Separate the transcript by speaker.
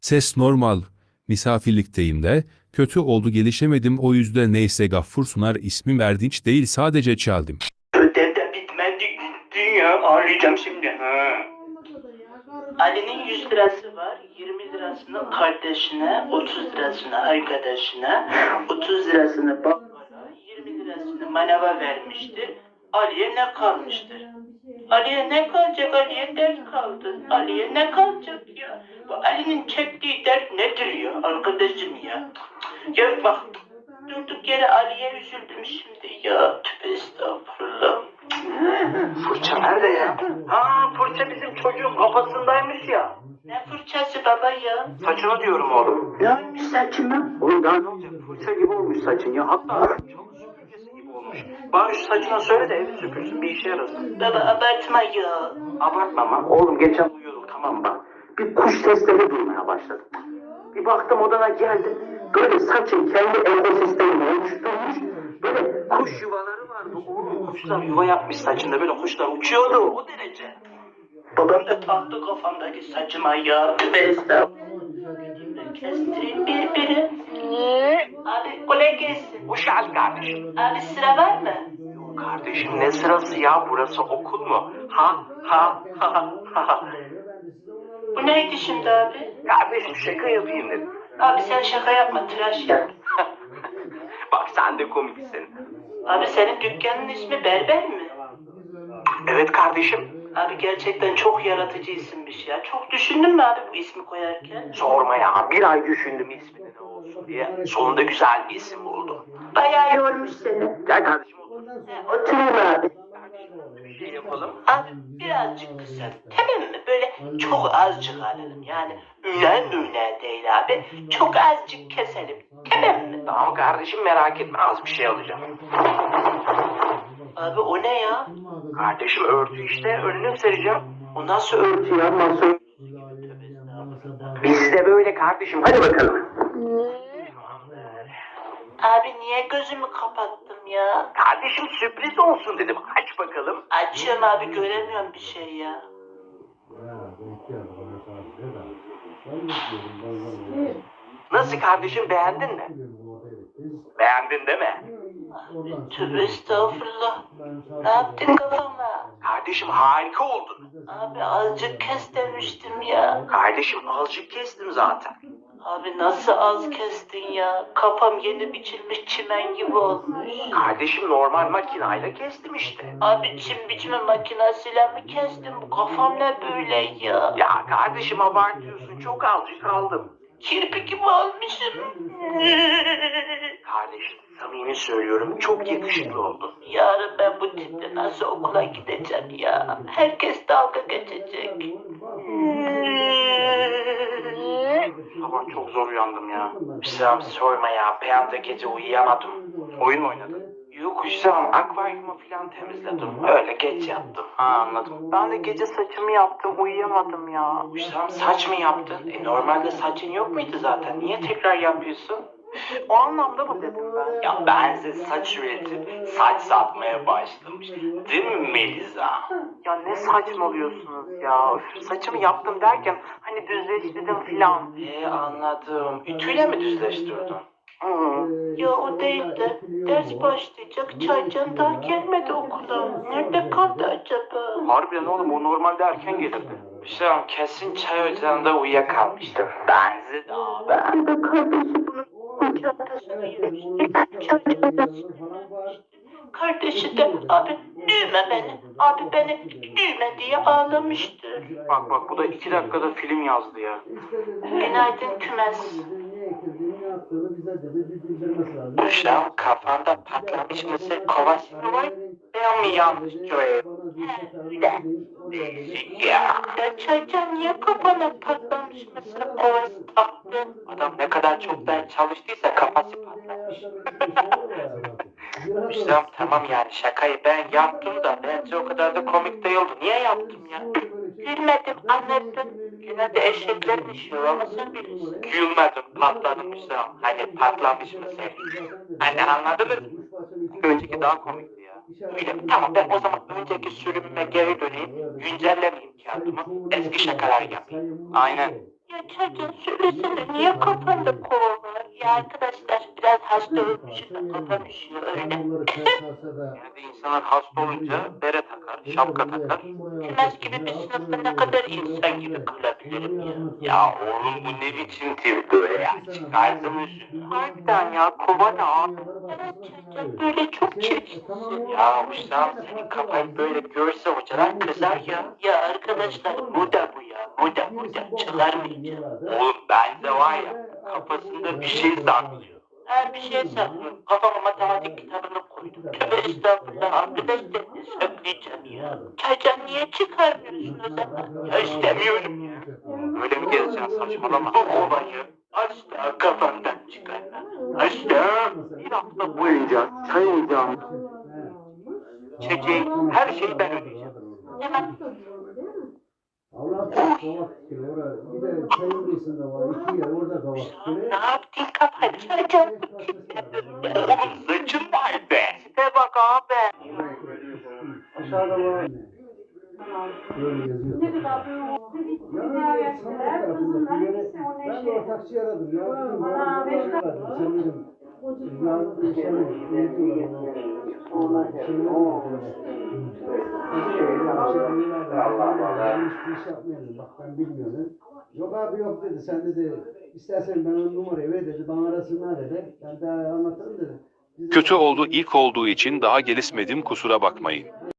Speaker 1: Ses normal. Misafirlikteyim de. Kötü oldu gelişemedim o yüzden neyse Gaffur Sunar ismim Erdinç değil sadece çaldım.
Speaker 2: Ödev de bitmedi gitti ya. Ağlayacağım şimdi. Ha. Ali'nin 100 lirası var. 20 lirasını kardeşine, 30 lirasını arkadaşına, 30 lirasını babana, 20 lirasını manava vermiştir. Ali'ye ne kalmıştır? Ali'ye ne kalacak? Ali'ye dert kaldı. Ali'ye ne kalacak ya? Bu Ali'nin çektiği dert nedir ya arkadaşım ya? Ya bak durduk yere Ali'ye üzüldüm şimdi ya. Tövbe estağfurullah. Fırça nerede ya? Ha fırça bizim çocuğun kafasındaymış ya. Ne fırçası baba ya? Saçını diyorum oğlum. Ne olmuş saçıma? Oğlum daha ne olacak? Fırça gibi olmuş saçın ya. Hatta çalı süpürgesi gibi olmuş. Bana şu saçına söyle de evi süpürsün bir işe yarasın. Baba abartma ya. Abartma ama. Oğlum geçen uyuyorduk tamam bak. Bir kuş sesleri duymaya başladım. Bir baktım odana geldim. Böyle saçın kendi ekosistemini oluşturmuş. Böyle kuş yuvaları vardı. Oğlum kuşlar yuva yapmış saçında. Böyle kuşlar uçuyordu o derece. Babam da taktı kafamdaki saçıma ya. Estağfurullah. Kestireyim biri. Abi kolay gelsin. Hoş geldin kardeşim. Abi sıra var mı? Yok kardeşim ne sırası ya burası okul mu? Ha. Bu neydi şimdi abi? Kardeşim şaka yapayım dedim. Abi sen şaka yapma tıraş yap. Bak sen de komiksin. Abi senin dükkanın ismi Berber mi? Evet kardeşim. Abi gerçekten çok yaratıcı isimmiş ya. Çok düşündün mü abi bu ismi koyarken? Sorma ya. Bir ay düşündüm ismini ne olsun diye. Sonunda güzel bir isim buldum. Bayağı yormuş seni. Gel kardeşim otur. Oturayım abi. Bir şey yapalım. Abi birazcık kısa. Tamam mı? Böyle çok azıcık alalım. Yani ünen değil abi. Çok azıcık keselim. Tamam mı? Tamam kardeşim merak etme az bir şey alacağım. Abi o ne ya? Kardeşim örtü işte önünü sereceğim. O nasıl örtü ya? Nasıl örtü? Bizde böyle kardeşim hadi bakalım. Abi niye gözümü kapattım ya? Kardeşim sürpriz olsun dedim. Aç bakalım. Açıyorum abi göremiyorum bir şey ya. Nasıl kardeşim beğendin mi? Beğendin değil mi? Tövbe estağfurullah. Ne yaptın kafama? Kardeşim harika oldun. Abi azıcık kes demiştim ya. Kardeşim azıcık kestim zaten. Abi nasıl az kestin ya? Kafam yeni biçilmiş çimen gibi olmuş. Kardeşim normal makinayla kestim işte. Abi çim biçme makinasıyla mı kestim? Bu kafam ne böyle ya? Ya kardeşim abartıyorsun çok azıcık aldım. Kirpi gibi olmuşum. Kardeşim samimi söylüyorum çok yakışıklı oldun. Yarın ben bu tiple nasıl okula gideceğim ya? Herkes dalga geçecek. Sabah çok zor uyandım ya. Hüsam sorma ya. Bir anda gece uyuyamadım. Oyun mu oynadın? Yok Hüsam akvaryumu falan temizledim. Öyle geç yattım. Ha anladım. Ben de gece saçımı yaptım uyuyamadım ya. Hüsam saç mı yaptın? Normalde saçın yok muydu zaten? Niye tekrar yapıyorsun? O anlamda mı dedim ben? Ya ben size saç üretip saç satmaya başlamış. Değil mi Melisa? Ya ne saçmalıyorsunuz ya? Üf, saçımı yaptım derken hani düzleştirdim filan. Anladım. Ütüyle mi düzleştirdin? Ya o değil de ders başlayacak. Çaycan daha gelmedi okula. Nerede kaldı acaba? Harbiden oğlum o normalde erken gelirdi. Hüsam kesin çay ocağında uyuyakalmıştır. Benzi de abi. Ben de kardeşim bunun çantasını yemiştim. Çay çantasını. Kardeşi de abi düğme beni. Abi beni düğme diye ağlamıştı. Bak bu da 2 dakikada film yazdı ya. Günaydın kümes. Hüsam kafanda patlamış mısır kovası mı var? Ben mi yanlış görüyorum? Ya çocuğum niye kafana patlamış mısır kovası taktın? Adam ne kadar çok ders çalıştıysa kafası patlamış. Hüsam tamam yani şakayı ben yaptım da bence o kadar da komik değildi. Niye yaptım ya? Gülmedim anlattım. Yine de eşeklerin işi ama sen bilirsin. Gülmedim patladım Hüsam. Hani patlamış mısın? Hani anladınız mı? Önceki daha komikti ya. Öyle tamam ben o zaman önceki sürümüme geri döneyim. Güncellemeyeyim kağıdımı. Eski şakalar yapayım. Aynen. Ya Çağcan söylesene niye kafanda kol var? Ya arkadaşlar biraz hasta olmuşum da kafam üşüyor öyle.
Speaker 3: Yani insanlar hasta olunca bere takar, şapka takar.
Speaker 2: Tümes gibi bir sınıfta ne kadar insan gibi kalabilirim ya.
Speaker 3: Ya oğlum bu ne biçim tip böyle ya? Çıkarsana şunu.
Speaker 2: Harbiden ya kovana. Evet Çağcan böyle çok çirkinsin.
Speaker 3: Ya Hüsam senin kafayı böyle görse hocalar kızar ya.
Speaker 2: Ya arkadaşlar moda bu ya. Moda çıkarmayacağım.
Speaker 3: Oğlum bende var ya kafasında bir şey saklıyor.
Speaker 2: Her bir şey saklıyorum. Kafama matematik kitabını koydum. Tövbe estağfurullah arkadaşlar ne söyleyeceğim ya. Çaycan niye çıkarmıyorsun o zaman?
Speaker 3: Ya istemiyorum ya. Böyle mi gezeceksin saçmalama. Bu olayı asla kafandan çıkarma. Asla bir hafta boyunca çay ocağını çekeceği her şeyi ben ödeyeceğim.
Speaker 2: Hemen
Speaker 4: Allah kavak fikri orada bir de çayın kıyısında var 2 yer orada kavak fikri.
Speaker 2: ne yaptın kafayı Çaycan?
Speaker 3: Oğlum saçın var be.
Speaker 2: İşte bak abi.
Speaker 4: Aşağıda var. Böyle yazıyor.
Speaker 5: Ne kadar
Speaker 4: Ya sanat tarafında bir yere ben de ortakçı aradım ya. Dedim,
Speaker 5: Aa,
Speaker 4: ya,
Speaker 5: beş
Speaker 4: sen dedim yarın bir şey bak ben bilmiyorum. Yok abi yok dedi. Sen dedi istersen ben o numarayı ver dedi. Bana arasınlar dedi. Ben daha anlatırım dedi.
Speaker 1: Kötü oldu ilk olduğu için daha gelişmedim kusura bakmayın.